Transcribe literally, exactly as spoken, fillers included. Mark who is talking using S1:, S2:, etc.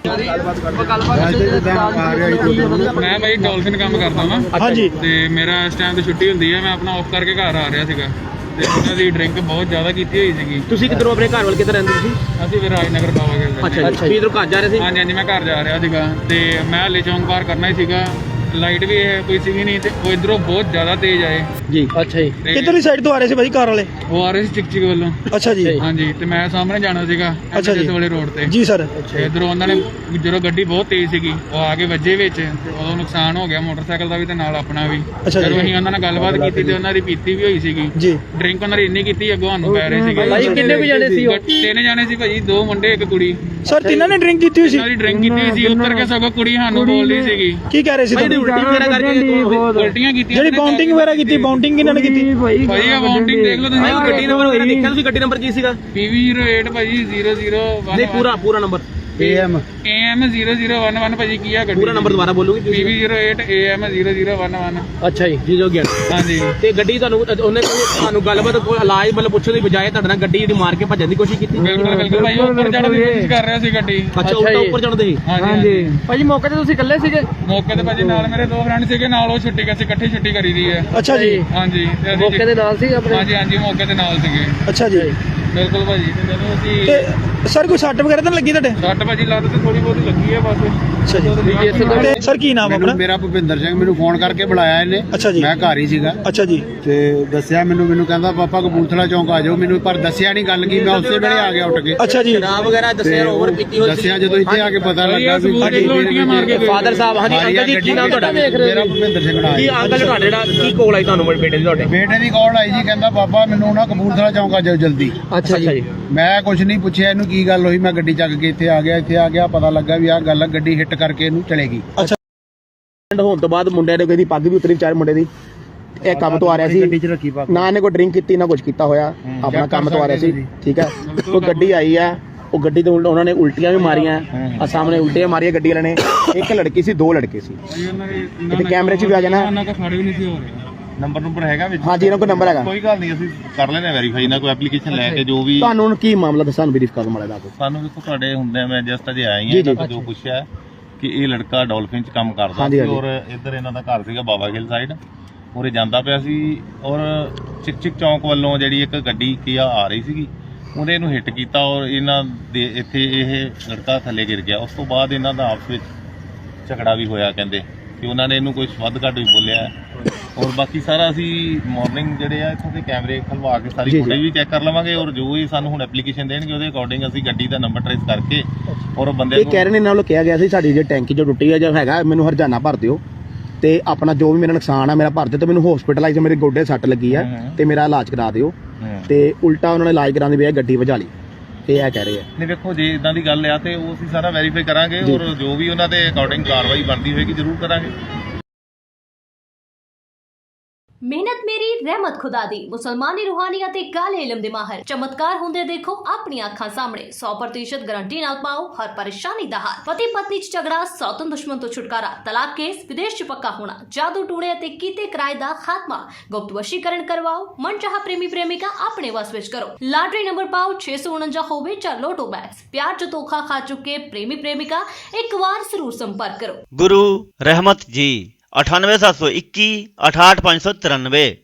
S1: मैं भाई डॉल्फिन काम करता वा।
S2: हाँ जी।
S1: ते मेरा इस टाइम तो छुट्टी होंदी है, मैं अपना ऑफ करके घर आ रहा सीगा ਤੇ ਉਹਨਾਂ ਦੀ ਡਰਿੰਕ ਬਹੁਤ ਜ਼ਿਆਦਾ ਕੀਤੀ ਹੋਈ ਸੀਗੀ।
S3: ਤੁਸੀਂ ਕਿੱਧਰੋਂ ਆਪਣੇ ਘਰ ਵੱਲ ਕਿੱਧਰ ਰਹਿੰਦੇ ਤੁਸੀਂ?
S1: ਅਸੀਂ ਫਿਰ ਰਾਜਨਗਰ ਬਾਵਾ ਗਏ।
S3: ਅੱਛਾ ਅੱਛਾ ਜੀ, ਇਧਰੋਂ ਘਰ ਜਾ ਰਹੇ ਸੀ?
S1: ਹਾਂਜੀ ਹਾਂਜੀ, ਮੈਂ ਘਰ ਜਾ ਰਿਹਾ ਸੀਗਾ ਤੇ ਮੈਂ ਹਲੇ ਚੌਂਕ ਪਾਰ ਕਰਨਾ ਹੀ ਸੀਗਾ, ਲਾਈਟ ਵੀ ਇਹ ਕੋਈ ਸੀਗੀ ਨਹੀਂ ਤੇ ਉਹ ਇਧਰੋਂ ਬਹੁਤ ਜ਼ਿਆਦਾ ਤੇਜ਼ ਆਏ
S3: ਜੀ। ਅੱਛਾ ਜੀ,
S2: ਕਿੱਧਰਲੀ ਸਾਈਡ ਤੋਂ ਆ ਰਹੇ ਸੀ ਭਾਈ ਕਾਰ ਵਾਲੇ?
S1: ਉਹ ਆ ਰਹੇ ਸੀ ਚਿਕ ਚਿਕ ਵੱਲੋਂ।
S2: ਅੱਛਾ ਜੀ।
S1: ਹਾਂਜੀ, ਤੇ ਮੈਂ ਸਾਹਮਣੇ ਜਾਣਾ ਸੀਗਾ
S2: ਅੱਛਾ ਜੀ,
S1: ਇਸ ਵਾਲੇ ਰੋਡ ਤੇ।
S2: ਜੀ ਸਰ।
S1: ਇਧਰੋਂ ਉਹਨਾਂ ਨੇ ਜਦੋਂ ਗੱਡੀ ਬਹੁਤ ਤੇਜ਼ ਸੀਗੀ ਉਹ ਆ ਕੇ ਵੱਜੇ ਵਿੱਚ, ਉਦੋਂ ਨੁਕਸਾਨ ਹੋ ਗਿਆ ਮੋਟਰਸਾਈਕਲ ਦਾ ਵੀ ਤੇ ਨਾਲ ਆਪਣਾ ਵੀ।
S2: ਅੱਛਾ ਜੀ।
S1: ਜਦੋਂ ਅਸੀਂ ਉਹਨਾਂ ਨਾਲ ਗੱਲਬਾਤ ਕੀਤੀ ਤੇ ਉਹਨਾਂ ਦੀ ਪੀਤੀ ਵੀ ਹੋਈ ਸੀਗੀ
S2: ਜੀ।
S1: ਡਰਿੰਕ ਉਹਨਾਂ ਦੀ ਇੰਨੀ ਕੀਤੀ ਅੱਗੋਂ ਸਾਨੂੰ ਪੈ ਰਹੇ ਸੀਗੇ।
S3: ਭਾਈ ਕਿੰਨੇ ਕੁ ਜਾਣੇ ਸੀ ਉਹ?
S1: ਤਿੰਨ ਜਾਣੇ ਸੀ ਭਾਜੀ, ਦੋ ਮੁੰਡੇ ਇੱਕ ਕੁੜੀ।
S2: ਸਰ ਤਿੰਨਾਂ ਨੇ ਡਰਿੰਕ ਕੀਤੀ ਹੋਈ ਸੀ?
S1: ਉਹਨਾਂ ਦੀ ਡਰਿੰਕ ਕੀਤੀ ਹੋਈ ਸੀ, ਉੱਤਰ ਕੇ ਸਗੋਂ ਕੁੜੀ ਸਾਨੂੰ ਬੋਲਦੀ ਸੀਗੀ।
S2: ਕੀ ਕਹਿ ਰਹੇ ਸੀ ਤੁਹਾਨੂੰ?
S3: ਉਲਟੀ ਵਗੈਰਾ ਕਰਕੇ
S1: ਉਲਟੀਆਂ ਕੀਤੀਆਂ।
S2: ਜਿਹੜੀ ਬਾਉਂਡਿੰਗ ਵਗੈਰਾ ਕੀਤੀ, ਬਾਉਂਡਿੰਗ ਕਿਹਨਾਂ ਨੇ ਕੀਤੀ?
S1: ਭਾਜੀ ਆ ਬਾਉਂਡਿੰਗ ਦੇਖ ਲਓ ਤੁਸੀਂ।
S3: ਗੱਡੀ ਨੰਬਰ ਵਗੈਰਾ ਦੇਖਿਆ ਤੁਸੀਂ? ਗੱਡੀ ਨੰਬਰ ਕੀ ਸੀਗਾ?
S1: ਪੀ ਵੀ ਜ਼ੀਰੋ ਏਟ ਭਾਜੀ ਜ਼ੀਰੋ ਜ਼ੀਰੋ
S3: ਨਹੀਂ, ਪੂਰਾ ਪੂਰਾ number
S1: A M zero zero ਇੱਕ ਇੱਕ ਭਾਜੀ ਕੀ ਆ ਗੱਡੀ?
S3: ਪੂਰਾ ਨੰਬਰ ਦੁਬਾਰਾ ਬੋਲੋਗੇ
S1: P V zero eight A M zero zero ਇੱਕ ਇੱਕ।
S3: ਅੱਛਾ ਜੀ, ਜੀ ਜੋ ਗਿਆ।
S1: ਹਾਂਜੀ।
S3: ਤੇ ਗੱਡੀ ਤੁਹਾਨੂੰ ਉਹਨੇ ਤੁਹਾਨੂੰ ਗੱਲਬਾਤ ਕੋਈ ਇਲਾਜ ਮਤਲਬ ਪੁੱਛਣ ਦੀ ਬਜਾਏ ਤੁਹਾਡੇ ਨਾਲ ਗੱਡੀ ਜਿਹੜੀ ਮਾਰ ਕੇ ਭੱਜਣ ਦੀ ਕੋਸ਼ਿਸ਼ ਕੀਤੀ?
S1: ਬਿਲਕੁਲ ਬਿਲਕੁਲ ਭਾਈ, ਉਹ ਉੱਪਰ ਚੜ੍ਹਨ ਦੀ ਕੋਸ਼ਿਸ਼ ਕਰ ਰਿਹਾ ਸੀ ਗੱਡੀ।
S3: ਅੱਛਾ, ਉੱਪਰ ਉੱਪਰ ਚੜ੍ਹਦੇ ਸੀ?
S1: ਹਾਂਜੀ
S3: ਭਾਜੀ ਮੌਕੇ ਤੇ ਤੁਸੀਂ ਇਕੱਲੇ ਸੀਗੇ?
S1: ਮੌਕੇ ਤੇ ਭਾਜੀ ਨਾਲ ਮੇਰੇ ਦੋ ਫਰੈਂਡ ਸੀਗੇ, ਨਾਲ ਉਹ ਛੁੱਟੀ ਕਰਕੇ ਇਕੱਠੀ ਛੁੱਟੀ ਕਰੀ ਦੀ ਹੈ।
S2: ਅੱਛਾ ਜੀ।
S1: ਹਾਂਜੀ, ਤੇ ਅਸੀਂ
S3: ਮੌਕੇ ਦੇ ਨਾਲ ਸੀ ਆਪਣੇ?
S1: ਹਾਂਜੀ ਹਾਂਜੀ, ਮੌਕੇ ਤੇ ਨਾਲ ਸੀਗੇ।
S2: ਅੱਛਾ ਜੀ।
S1: ਬਿਲਕੁਲ ਭਾਜੀ। ਤੇ ਜਦੋਂ ਅਸੀਂ
S2: ਤੇ ਸਰ ਕੋਈ ਸੱਟ ਵਗੈਰਾ ਤਾਂ ਨੀ ਲੱਗੀ ਤੁਹਾਡੇ?
S1: ਸੱਟ ਭਾਜੀ ਲੱਤ ਤੇ ਥੋੜੀ ਬਹੁਤੀ ਲੱਗੀ ਹੈ ਬਸ।
S2: ਅੱਛਾ ਜੀ। ਤੇ ਸਰ ਕੀ ਨਾਮ ਆਪਣਾ?
S4: ਮੇਰਾ ਭੁਪਿੰਦਰ ਸਿੰਘ। ਮੈਨੂੰ ਫੋਨ ਕਰਕੇ ਬੁਲਾਇਆ ਇਹਨੇ।
S2: ਅੱਛਾ ਜੀ।
S4: ਮੈਂ ਘਰ ਹੀ ਸੀਗਾ।
S2: ਅੱਛਾ ਜੀ।
S4: ਤੇ ਦੱਸਿਆ ਮੈਨੂੰ ਮੈਨੂੰ ਕਹਿੰਦਾ ਪਾਪਾ ਕਪੂਰਥਲਾ ਚੌਂਕ ਆ ਜਾਓ। ਮੈਨੂੰ ਪਰ ਦੱਸਿਆ ਨਹੀਂ ਗੱਲ ਕੀ, ਮੈਂ ਉਸੇ ਵੇਲੇ ਆ ਗਿਆ ਉੱਠ ਕੇ।
S2: ਅੱਛਾ ਜੀ।
S3: ਸ਼ਰਾਬ ਵਗੈਰਾ ਦੱਸਿਆ ਓਵਰ ਪੀਤੀ ਹੋਈ?
S4: ਦੱਸਿਆ ਜਦੋਂ ਇੱਥੇ ਆ ਕੇ ਪਤਾ ਲੱਗਾ ਵੀ
S1: ਉਲਟੀਆਂ ਮਾਰ ਕੇ
S3: ਫਾਦਰ ਸਾਹਿਬ। ਹਾਂਜੀ ਅੰਕਲ ਜੀ, ਕੀ ਨਾਮ ਤੁਹਾਡਾ?
S4: ਮੇਰਾ ਭੁਪਿੰਦਰ ਸਿੰਘ ਨਾਮ।
S3: ਕੀ ਅੰਕਲ ਤੁਹਾਡੇ ਜਿਹੜਾ ਕੀ ਕੋਲ ਆਈ ਤੁਹਾਨੂੰ ਬੇਟੇ ਦੀ ਤੁਹਾਡੇ?
S4: ਬੇਟੇ ਦੀ ਕਾਲ ਆਈ ਜੀ, ਕਹਿੰਦਾ ਪਾਪਾ ਮੈਨੂੰ ਨਾ ਕਪੂਰਥਲਾ ਚੌਂਕ ਆ ਜਾਓ ਜਲਦੀ।
S3: ਅੱਛਾ ਜੀ।
S4: ਮੈਂ ਕੁਝ ਨਹੀਂ ਪੁੱਛਿਆ ਇਹਨੂੰ ਕੀ ਗੱਲ ਹੋਈ, ਮੈਂ ਗੱਡੀ ਚੱਕ ਕੇ ਇੱਥੇ ਆ ਗਿਆ। ਇੱਥੇ ਆ ਗਿਆ ਪਤਾ ਲੱਗਾ ਵੀ ਆਹ ਗੱਲ ਆ, ਗੱਡੀ ਹਿੱਟ ਕਰਕੇ ਇਹਨੂੰ ਚਲੇਗੀ।
S2: ਅੱਛਾ।
S3: ਹੋਣ ਤੋਂ ਬਾਅਦ ਮੁੰਡੇ ਨੇ ਕਹਿੰਦੀ ਪੱਗ ਵੀ ਉਤਰੀ ਵਿਚਾਰੇ ਮੁੰਡੇ ਦੀ। ਇਹ ਕੰਮ ਤੋਂ ਆ ਰਿਹਾ ਸੀ,
S4: ਗੱਡੀ 'ਚ ਰੱਖੀ ਪਾ
S3: ਨਾ ਇਹਨੇ ਕੋਈ ਡਰਿੰਕ ਕੀਤੀ ਨਾ ਕੁਝ ਕੀਤਾ ਹੋਇਆ, ਆਪਣਾ ਕੰਮ ਤੋਂ ਆ ਰਿਹਾ ਸੀ। ਠੀਕ ਹੈ, ਉਹ ਗੱਡੀ ਆਈ ਆ, ਉਹ ਗੱਡੀ ਤੋਂ ਉਹਨਾਂ ਨੇ ਉਲਟੀਆਂ ਵੀ ਮਾਰੀਆਂ ਆ, ਸਾਹਮਣੇ ਉਲਟੀਆਂ ਮਾਰੀਆਂ ਗੱਡੀ ਵਾਲੇ ਨੇ। ਇੱਕ ਲੜਕੀ ਸੀ, ਦੋ ਲੜਕੇ ਸੀ। ਇਹਦੇ ਕੈਮਰੇ 'ਚ ਵੀ ਆ ਜਾਣਾ।
S1: ਉਹਨਾਂ ਦਾ ਖੜੇ ਵੀ ਨਹੀਂ ਸੀ ਹੋ ਰਹੇ।
S5: ਨੰਬਰ ਨੰਬਰ ਹੈਗਾ ਵਿੱਚ?
S3: ਹਾਂਜੀ, ਇਹਨਾਂ ਕੋਲ ਨੰਬਰ ਹੈਗਾ।
S5: ਕੋਈ ਗੱਲ ਨਹੀਂ, ਅਸੀਂ ਕਰ ਲੈਣੇ ਵੈਰੀਫਾਈ ਨਾ ਕੋਈ ਐਪਲੀਕੇਸ਼ਨ ਲੈ ਕੇ ਜੋ ਵੀ।
S3: ਤੁਹਾਨੂੰ ਕੀ ਮਾਮਲਾ ਦੱਸਾਂ ਵੈਰੀਫਾਈ ਕਰਨ ਵਾਲੇ ਦਾ?
S5: ਸਾਨੂੰ ਦੇਖੋ ਤੁਹਾਡੇ ਹੁੰਦੇ, ਮੈਂ ਜਸਟ ਅਜੇ ਆਇਆ ਹੀ ਹਾਂ, ਜੋ ਪੁੱਛਿਆ ਕਿ ਇਹ ਲੜਕਾ ਡਾਲਫਿਨ 'ਚ ਕੰਮ ਕਰਦਾ ਸੀ ਔਰ ਇੱਧਰ ਇਹਨਾਂ ਦਾ ਘਰ ਸੀਗਾ ਬਾਵਾ ਗਿੱਲ ਸਾਈਡ, ਉਰੇ ਜਾਂਦਾ ਪਿਆ ਸੀ ਔਰ ਚਿਕ ਚਿਕ ਚੌਂਕ ਵੱਲੋਂ ਜਿਹੜੀ ਇੱਕ ਗੱਡੀ ਕੀਆ ਆ ਰਹੀ ਸੀਗੀ, ਉਹਨੇ ਇਹਨੂੰ ਹਿੱਟ ਕੀਤਾ ਔਰ ਇਹਨਾਂ ਦੇ ਇੱਥੇ ਇਹ ਲੜਕਾ ਥੱਲੇ ਗਿਰ ਗਿਆ। ਉਸ ਤੋਂ ਬਾਅਦ ਇਹਨਾਂ ਦਾ ਆਪਸ ਵਿੱਚ ਝਗੜਾ ਵੀ ਹੋਇਆ, ਕਹਿੰਦੇ ਕਿ ਉਹਨਾਂ ਨੇ ਇਹਨੂੰ ਕੋਈ ਵੱਧ ਘੱਟ ਵੀ ਬੋਲਿਆ। ਔਰ ਬਾਕੀ ਸਾਰਾ ਅਸੀਂ ਮਾਰਨਿੰਗ ਜਿਹੜੇ ਆ ਇੱਥੋਂ ਦੇ ਕੈਮਰੇ ਖਲਵਾ ਕੇ ਸਾਰੀ ਫੁਟੇਜ ਵੀ ਚੈੱਕ ਕਰ ਲਵਾਂਗੇ ਔਰ ਜੋ ਵੀ ਸਾਨੂੰ ਹੁਣ ਐਪਲੀਕੇਸ਼ਨ ਦੇਣਗੇ ਉਹਦੇ ਅਕੋਰਡਿੰਗ ਅਸੀਂ ਗੱਡੀ ਦਾ ਨੰਬਰ ਟ੍ਰੇਸ ਕਰਕੇ ਔਰ ਬੰਦੇ
S3: ਇਹ ਕਹਿ ਰਹੇ ਨੇ ਇਹਨਾਂ ਵੱਲੋਂ ਕਿਹਾ ਗਿਆ ਸੀ ਸਾਡੀ ਜੇ ਟੈਂਕੀ ਜੋ ਟੁੱਟੀ ਹੈ ਜਾਂ ਹੈਗਾ ਮੈਨੂੰ ਹਰਜਾਨਾ ਭਰ ਦਿਓ ਤੇ ਆਪਣਾ ਜੋ ਵੀ ਮੇਰਾ ਨੁਕਸਾਨ ਆ ਮੇਰਾ ਭਰ ਦਿਓ ਤੇ ਮੈਨੂੰ ਹਸਪੀਟਲਾਈਜ਼ ਮੇਰੇ ਗੋਡੇ ਸੱਟ ਲੱਗੀ ਆ ਤੇ ਮੇਰਾ ਇਲਾਜ ਕਰਾ ਦਿਓ। ਤੇ ਉਲਟਾ ਉਹਨਾਂ ਨੇ ਇਲਾਜ ਕਰਾਉਣ ਦੀ ਬਜਾਏ ਗੱਡੀ ਵਜਾ ਲਈ, ਇਹ ਇਹ ਕਹਿ ਰਹੇ ਆ।
S5: ਨਹੀਂ ਵੇਖੋ, ਜੇ ਇਦਾਂ ਦੀ ਗੱਲ ਆ ਤੇ ਉਹ ਅਸੀਂ ਸਾਰਾ ਵੈਰੀਫਾਈ ਕਰਾਂਗੇ ਔਰ ਜੋ ਵੀ ਉਹਨਾਂ ਦੇ ਅਕੋਰਡਿੰਗ ਕਾਰਵਾਈ ਬਣਦੀ ਹੋਏਗੀ ਜ਼ਰੂਰ ਕਰਾਂਗੇ।
S6: ਮਿਹਨਤ ਮੇਰੀ ਰਹਿਮਤ ਖੁਦਾ ਦੀ। ਮੁਸਲਮਾਨੀ ਰੂਹਾਨੀ ਅਤੇ ਕਾਲੇ ਇਲਮ ਦੇ ਮਾਹਰ ਚਮਤਕਾਰ ਹੁੰਦੇ ਦੇਖੋ ਆਪਣੀਆਂ ਅੱਖਾਂ ਸਾਹਮਣੇ। ਸੌ ਪ੍ਰਤੀਸ਼ਤ ਗਾਰੰਟੀ ਨਾਲ ਪਾਓ ਹਰ ਪਰੇਸ਼ਾਨੀ ਦਾ ਹੱਲ। ਪਤੀ ਪਤਨੀ ਚ ਝਗੜਾ, ਸੌਤਨ ਦੁਸ਼ਮਣ ਤੋਂ ਛੁਟਕਾਰਾ, ਤਲਾਕ ਕੇਸ, ਵਿਦੇਸ਼ ਚ ਪੱਕਾ ਹੋਣਾ, ਜਾਦੂ ਟੂਣੇ ਅਤੇ ਕੀਤੇ ਕਿਰਾਏ ਦਾ ਖਾਤਮਾ, ਗੁਪਤ ਵਸ਼ੀਕਰਨ ਕਰਵਾਓ, ਮਨਚਾਹਾ ਪ੍ਰੇਮੀ ਪ੍ਰੇਮਿਕਾ ਆਪਣੇ ਵਸ ਵਿੱਚ ਕਰੋ। ਲਾਟਰੀ ਨੰਬਰ ਪਾਓ ਛੇ ਸੌ ਉਨੰਜਾ ਹੋਵੇ ਜਾਂ ਲੋਟੋ ਬੈਗਸ। ਪਿਆਰ ਚ ਧੋਖਾ ਖਾ ਚੁੱਕੇ ਪ੍ਰੇਮੀ ਪ੍ਰੇਮਿਕਾ ਇੱਕ ਵਾਰ ਜ਼ਰੂਰ ਸੰਪਰਕ ਕਰੋ।
S7: गुरु रहमत जी अठानवे सात सौ इक्की अठाठ पाँच सौ तिरानवे।